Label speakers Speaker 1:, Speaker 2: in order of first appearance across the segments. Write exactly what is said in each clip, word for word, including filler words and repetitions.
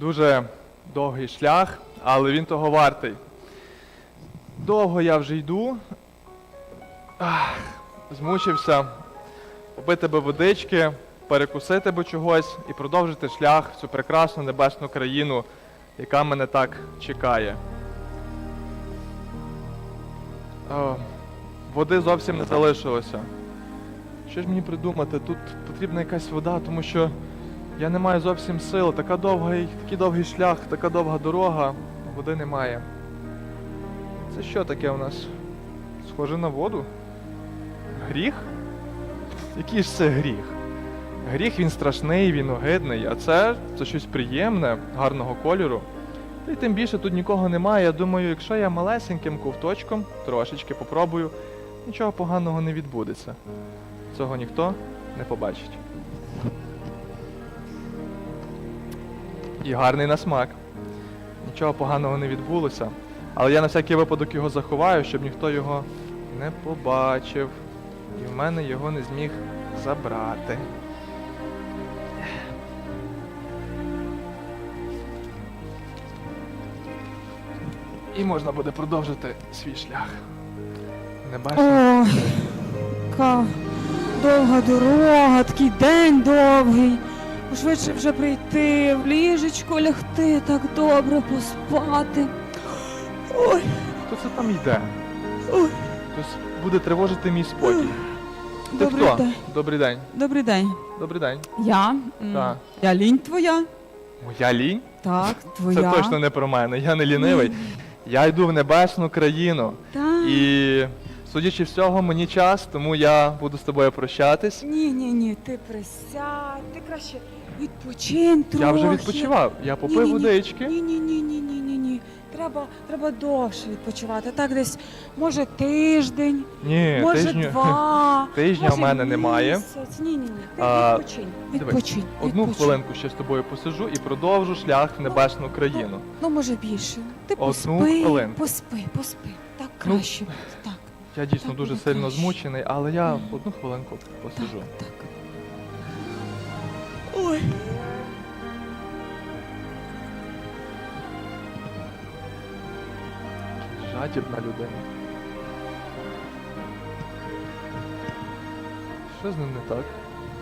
Speaker 1: Дуже довгий шлях, але він того вартий. Довго я вже йду. Ах, змучився. Попити би водички, перекусити би чогось і продовжити шлях в цю прекрасну небесну країну, яка мене так чекає. О, води зовсім не залишилося. Що ж мені придумати? Тут потрібна якась вода, тому що я не маю зовсім сил. Така довга, такий довгий шлях, така довга дорога, води немає. Це що таке у нас? Схоже на воду? Гріх? Який ж це гріх? Гріх, він страшний, він огидний, а це, це щось приємне, гарного кольору. Та й тим більше тут нікого немає. Я думаю, якщо я малесеньким ковточком трошечки попробую, нічого поганого не відбудеться. Цього ніхто не побачить. І гарний на смак. Нічого поганого не відбулося. Але я на всякий випадок його заховаю, щоб ніхто його не побачив. І в мене його не зміг забрати. І можна буде продовжити свій шлях. Не бачиш?
Speaker 2: О, яка довга дорога, такий день довгий. Швидше вже прийти, в ліжечко лягти, так добре поспати. Ой,
Speaker 1: Хто це там йде?
Speaker 2: ой.
Speaker 1: Хтось буде тривожити мій спокій. Ти
Speaker 2: Добрий
Speaker 1: хто?
Speaker 2: день.
Speaker 1: Добрий день.
Speaker 2: Добрий день.
Speaker 1: Добрий день.
Speaker 2: Я? М,
Speaker 1: Так.
Speaker 2: Я лінь твоя?
Speaker 1: Моя лінь?
Speaker 2: Так, твоя.
Speaker 1: Це точно не про мене. Я не лінивий. Я йду в небесну країну.
Speaker 2: Так.
Speaker 1: І, судячи всього, мені час, тому я буду з тобою прощатись.
Speaker 2: Ні, ні, ні, ти присядь, ти краще відпочинь трохи.
Speaker 1: Я вже відпочивав. Я попив
Speaker 2: Ні-ні-ні.
Speaker 1: водички.
Speaker 2: Ні, ні, ні, ні, ні, ні, ні. Треба, треба довше відпочивати. Так десь, може, тиждень,
Speaker 1: Ні,
Speaker 2: може,
Speaker 1: тижню.
Speaker 2: два,
Speaker 1: Тижня
Speaker 2: може,
Speaker 1: в мене немає.
Speaker 2: місяць. Ні, ні, ні. Ти
Speaker 1: А,
Speaker 2: відпочинь,
Speaker 1: дивись,
Speaker 2: відпочинь,
Speaker 1: Одну
Speaker 2: відпочинь.
Speaker 1: хвилинку ще з тобою посиджу і продовжу шлях в небесну країну.
Speaker 2: Ну, може, більше. Ти
Speaker 1: Одну
Speaker 2: поспи,
Speaker 1: хвилинку.
Speaker 2: поспи, поспи. Так
Speaker 1: Ну,
Speaker 2: краще буде, так.
Speaker 1: Я дійсно
Speaker 2: Так
Speaker 1: дуже
Speaker 2: буде
Speaker 1: сильно
Speaker 2: краще.
Speaker 1: змучений, але я одну хвилинку посиджу.
Speaker 2: Так, так. Ой.
Speaker 1: Жадібна людина. Що з ним не так?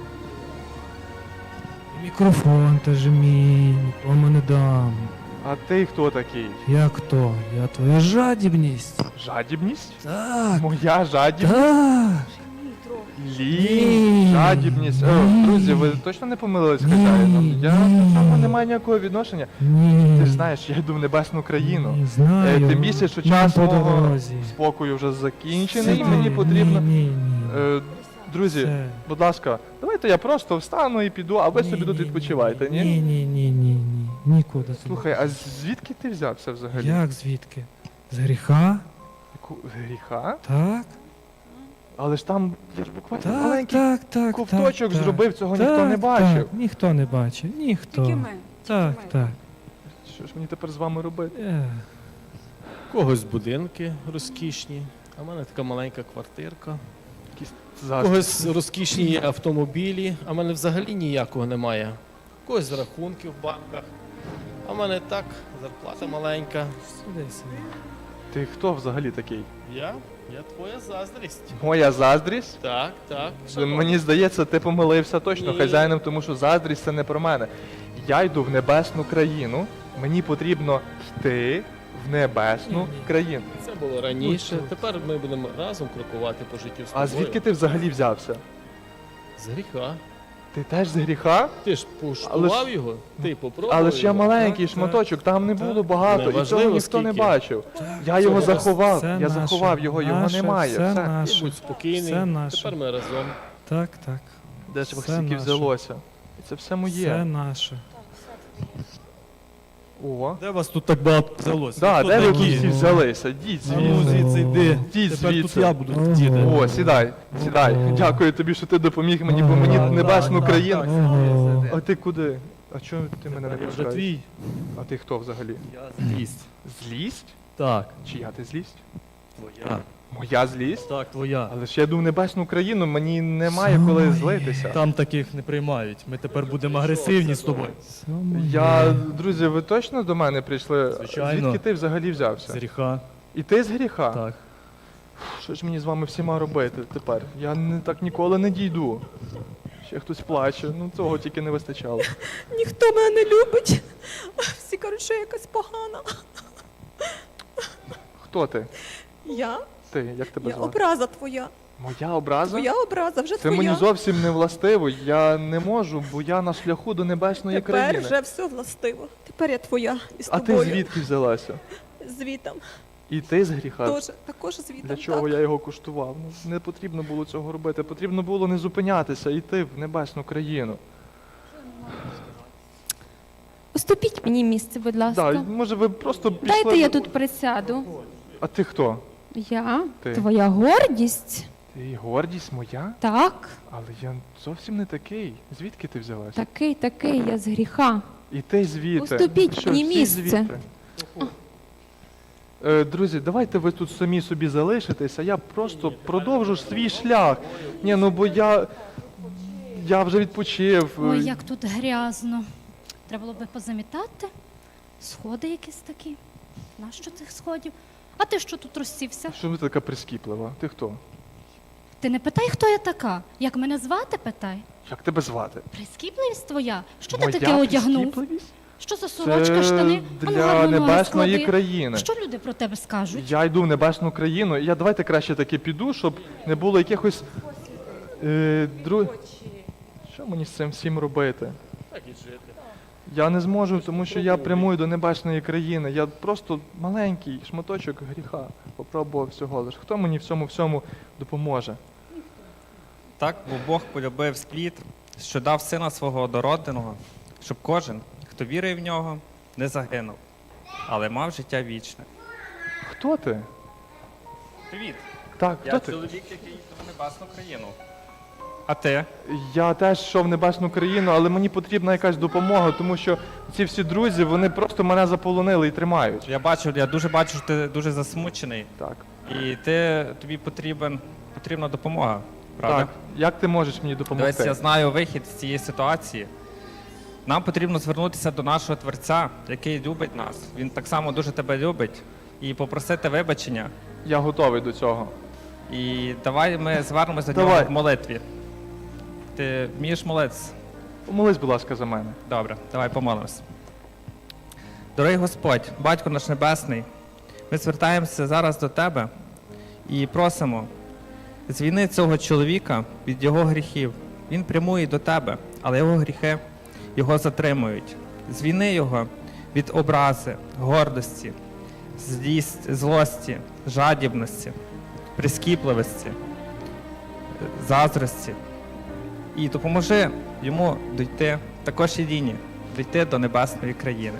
Speaker 3: Мікрофон теж мій, нікому не дам.
Speaker 1: А ти хто такий?
Speaker 3: Як то? Я твоя жадібність.
Speaker 1: Жадібність?
Speaker 3: Так,
Speaker 1: Моя жадібність?
Speaker 3: так.
Speaker 2: Ні, трохи.
Speaker 1: Лінь,
Speaker 3: Ні,
Speaker 1: жадібність. О,
Speaker 3: ні.
Speaker 1: друзі, ви точно не помилились
Speaker 3: Ні,
Speaker 1: хазяїном? Я
Speaker 3: ні.
Speaker 1: до цього не маю ніякого відношення.
Speaker 3: Ні.
Speaker 1: Ти ж знаєш, я йду в небесну країну.
Speaker 3: Ні, знаю.
Speaker 1: Е, тим більше, що
Speaker 3: Нам
Speaker 1: час
Speaker 3: по
Speaker 1: мого
Speaker 3: дорозі.
Speaker 1: спокою вже закінчений, і
Speaker 3: Сиди.
Speaker 1: мені потрібно.
Speaker 3: Ні, ні, ні.
Speaker 1: Е, Друзі,
Speaker 3: Все.
Speaker 1: будь ласка, давайте я просто встану і піду, а ви
Speaker 3: Ні,
Speaker 1: собі тут
Speaker 3: ні,
Speaker 1: відпочивайте, ні?
Speaker 3: Ні, ні, ні, ні, ні. Нікуди. ти
Speaker 1: Слухай,
Speaker 3: не
Speaker 1: а
Speaker 3: підеш.
Speaker 1: звідки ти взявся взагалі?
Speaker 3: Як звідки? З гріха?
Speaker 1: Яку- Гріха?
Speaker 3: Так.
Speaker 1: Але ж там я ж буквально
Speaker 3: Так,
Speaker 1: маленький
Speaker 3: так, так.
Speaker 1: ковточок
Speaker 3: так,
Speaker 1: зробив, цього
Speaker 3: так,
Speaker 1: ніхто не бачив.
Speaker 3: Так, ніхто не бачив, ніхто.
Speaker 2: Тільки ми.
Speaker 3: Так,
Speaker 2: тільки ми.
Speaker 3: так.
Speaker 1: Що ж мені тепер з вами робити?
Speaker 3: Е.
Speaker 4: У когось будинки розкішні, а в мене така маленька квартирка.
Speaker 1: Якісь
Speaker 4: У
Speaker 1: заздрі.
Speaker 4: когось розкішні автомобілі, а в мене взагалі ніякого немає. У когось рахунки в банках, а в мене так, зарплата маленька.
Speaker 3: Сиди, сиди.
Speaker 1: Ти хто взагалі такий?
Speaker 4: Я? Я твоя заздрість.
Speaker 1: Моя заздрість?
Speaker 4: Так, так.
Speaker 1: Мені здається, ти помилився точно
Speaker 4: Ні.
Speaker 1: хазяїном, тому що заздрість це не про мене. Я йду в небесну країну, мені потрібно йти в небесну
Speaker 3: Ні, ні.
Speaker 1: країну.
Speaker 4: Це було раніше.
Speaker 3: Ось тут.
Speaker 4: Тепер ми будемо разом крокувати по життю з тобою.
Speaker 1: А звідки ти взагалі взявся?
Speaker 4: З гріха.
Speaker 1: Ти теж з гріха?
Speaker 4: Ти ж поштував його, ти попробував
Speaker 1: Але ж я
Speaker 4: його.
Speaker 1: маленький
Speaker 3: Так,
Speaker 1: шматочок, там не
Speaker 3: так.
Speaker 1: було багато, і цього
Speaker 4: Неважливо,
Speaker 1: ніхто не
Speaker 4: скільки.
Speaker 1: бачив.
Speaker 3: Так,
Speaker 1: Я його
Speaker 4: це
Speaker 1: заховав,
Speaker 3: все
Speaker 1: я
Speaker 3: наше,
Speaker 1: заховав його, його
Speaker 3: наше,
Speaker 1: немає.
Speaker 3: все
Speaker 1: Все.
Speaker 4: Ти
Speaker 3: наше.
Speaker 4: будь спокійний,
Speaker 3: Все наше.
Speaker 4: тепер ми разом.
Speaker 3: Так, так.
Speaker 1: Де ж
Speaker 3: Все
Speaker 1: стільки
Speaker 3: наше.
Speaker 1: взялося? І це все
Speaker 3: Все
Speaker 1: моє.
Speaker 3: наше.
Speaker 1: О.
Speaker 5: Де вас тут так багато взялося?
Speaker 1: Да,
Speaker 5: Хто
Speaker 1: де ви тут
Speaker 5: такі?
Speaker 1: всі взялися? Діть
Speaker 5: А ну
Speaker 1: звідси.
Speaker 5: звідси йди.
Speaker 1: Йдіть
Speaker 5: Тепер
Speaker 1: звідси.
Speaker 5: тут я буду
Speaker 3: Ого.
Speaker 5: сидіти.
Speaker 1: О, сідай, сідай. Дякую тобі, що ти допоміг мені, бо мені
Speaker 3: Так,
Speaker 1: небесну
Speaker 5: так,
Speaker 1: країну.
Speaker 5: так.
Speaker 3: Ого.
Speaker 1: А ти куди? А чого ти мене не
Speaker 5: Я вже
Speaker 1: пускаєш?
Speaker 5: твій.
Speaker 1: А ти хто взагалі?
Speaker 5: Я злість.
Speaker 1: Злість?
Speaker 5: Так.
Speaker 1: Чия ти злість?
Speaker 5: Твоя.
Speaker 1: Моя злість?
Speaker 5: Так, твоя.
Speaker 1: Але ж я йду в небесну країну, мені немає коли злитися.
Speaker 5: Там таких не приймають. Ми тепер будемо агресивні з тобою.
Speaker 3: Все моє.
Speaker 1: Я, друзі, ви точно до мене прийшли?
Speaker 5: Звичайно.
Speaker 1: Звідки ти взагалі взявся?
Speaker 5: З гріха.
Speaker 1: І ти з гріха?
Speaker 5: Так.
Speaker 1: Що ж мені з вами всіма робити тепер? Я не так ніколи не дійду. Ще хтось плаче, ну цього тільки не вистачало.
Speaker 2: Ніхто мене не любить. Всі кажуть, що я якась погана.
Speaker 1: Хто ти?
Speaker 2: Я?
Speaker 1: Ти, як тебе
Speaker 2: Я
Speaker 1: звати?
Speaker 2: образа твоя.
Speaker 1: Моя образа?
Speaker 2: Твоя образа, вже
Speaker 1: Це
Speaker 2: твоя.
Speaker 1: мені зовсім не властиво, я не можу, бо я на шляху до небесної
Speaker 2: Тепер
Speaker 1: країни.
Speaker 2: вже все властиво. Тепер я твоя і з
Speaker 1: А ти
Speaker 2: тобою.
Speaker 1: звідки взялася?
Speaker 2: Звітом.
Speaker 1: І ти з гріха?
Speaker 2: Тоже, також звітом.
Speaker 1: Для чого
Speaker 2: так.
Speaker 1: я його куштував? Ну, не потрібно було цього робити, потрібно було не зупинятися, йти в небесну країну.
Speaker 6: Уступіть мені місце, будь ласка.
Speaker 1: Так, може ви просто пішли...
Speaker 6: Дайте я тут присяду.
Speaker 1: А ти хто?
Speaker 6: Я?
Speaker 1: Ти.
Speaker 6: Твоя гордість?
Speaker 1: Ти гордість моя?
Speaker 6: Так,
Speaker 1: Але я зовсім не такий. Звідки ти взялася?
Speaker 6: такий, такий, я з гріха.
Speaker 1: І ти звідти.
Speaker 6: Уступіть
Speaker 1: Що,
Speaker 6: мені
Speaker 1: всі
Speaker 6: місце.
Speaker 1: звідти? Е, друзі, давайте ви тут самі собі залишитеся, я просто продовжу ж свій шлях. Ні, ну бо я. Я вже відпочив.
Speaker 7: Ой, як тут грязно. Треба було би позамітати. Сходи якісь такі. Нащо цих сходів? А ти що тут розсівся?
Speaker 1: Що ви така прискіплива? Ти хто?
Speaker 7: Ти не питай, хто я така. Як мене звати, питай.
Speaker 1: Як тебе звати?
Speaker 7: Прискіпливість твоя? Що
Speaker 1: Моя
Speaker 7: ти таке одягнув?
Speaker 1: прискіпливість?
Speaker 7: Що за сорочка,
Speaker 1: Це
Speaker 7: штани? Ану,
Speaker 1: для
Speaker 7: гарно ноги
Speaker 1: небесної
Speaker 7: склади.
Speaker 1: країни.
Speaker 7: Що люди про тебе скажуть?
Speaker 1: Я йду в небесну країну, і я давайте краще таки піду, щоб не було якихось. Е, дру... Що мені з цим всім робити?
Speaker 4: Так і жити.
Speaker 1: Я не зможу, тому що я прямую до небесної країни. Я просто маленький шматочок гріха попробував всього лиш. Хто мені в цьому всьому допоможе?
Speaker 8: Так, бо Бог полюбив світ, що дав сина свого однородного, щоб кожен, хто вірує в нього, не загинув, але мав життя вічне.
Speaker 1: Хто ти?
Speaker 8: Привіт!
Speaker 1: Так, хто
Speaker 8: Я
Speaker 1: ти?
Speaker 8: чоловік, який йде в небесну країну. А ти?
Speaker 1: Я теж йшов в небесну країну, але мені потрібна якась допомога, тому що ці всі друзі, вони просто мене заполонили і тримають.
Speaker 8: Я бачу, я дуже бачу, що ти дуже засмучений,
Speaker 1: Так.
Speaker 8: і ти, тобі потрібен, потрібна допомога, правда?
Speaker 1: Так. Як ти можеш мені допомогти?
Speaker 8: Дивись, я знаю вихід з цієї ситуації. Нам потрібно звернутися до нашого Творця, який любить нас. Він так само дуже тебе любить, і попросити вибачення.
Speaker 1: Я готовий до цього.
Speaker 8: І давай ми звернемося до
Speaker 1: Давай.
Speaker 8: нього в молитві. Ти вмієш молитися?
Speaker 1: Помолись, будь ласка, за мене.
Speaker 8: Добре, давай помолимось. Дорогий Господь, Батько наш Небесний, ми звертаємося зараз до Тебе і просимо, звільни цього чоловіка від його гріхів. Він прямує до Тебе, але його гріхи його затримують. Звільни його від образи, гордості, злість, злості, жадібності, прискіпливості, заздрості. І допоможи йому дійти, також і Ліні, дійти до небесної країни.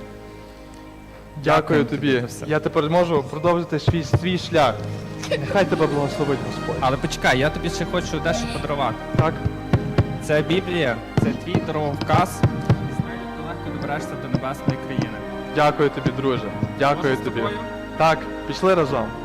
Speaker 1: Дякую
Speaker 8: Дякую тобі
Speaker 1: тобі.
Speaker 8: за все.
Speaker 1: Я тепер можу продовжити свій, свій шлях. Нехай тебе благословить Господь.
Speaker 8: Але почекай, я тобі ще хочу дещо подарувати.
Speaker 1: Так?
Speaker 8: Це Біблія, це твій дороговказ, і з нею ти легко доберешся до небесної країни.
Speaker 1: Дякую тобі, друже. Дякую
Speaker 8: Можна з
Speaker 1: тобі.
Speaker 8: тобою?
Speaker 1: Так, пішли разом.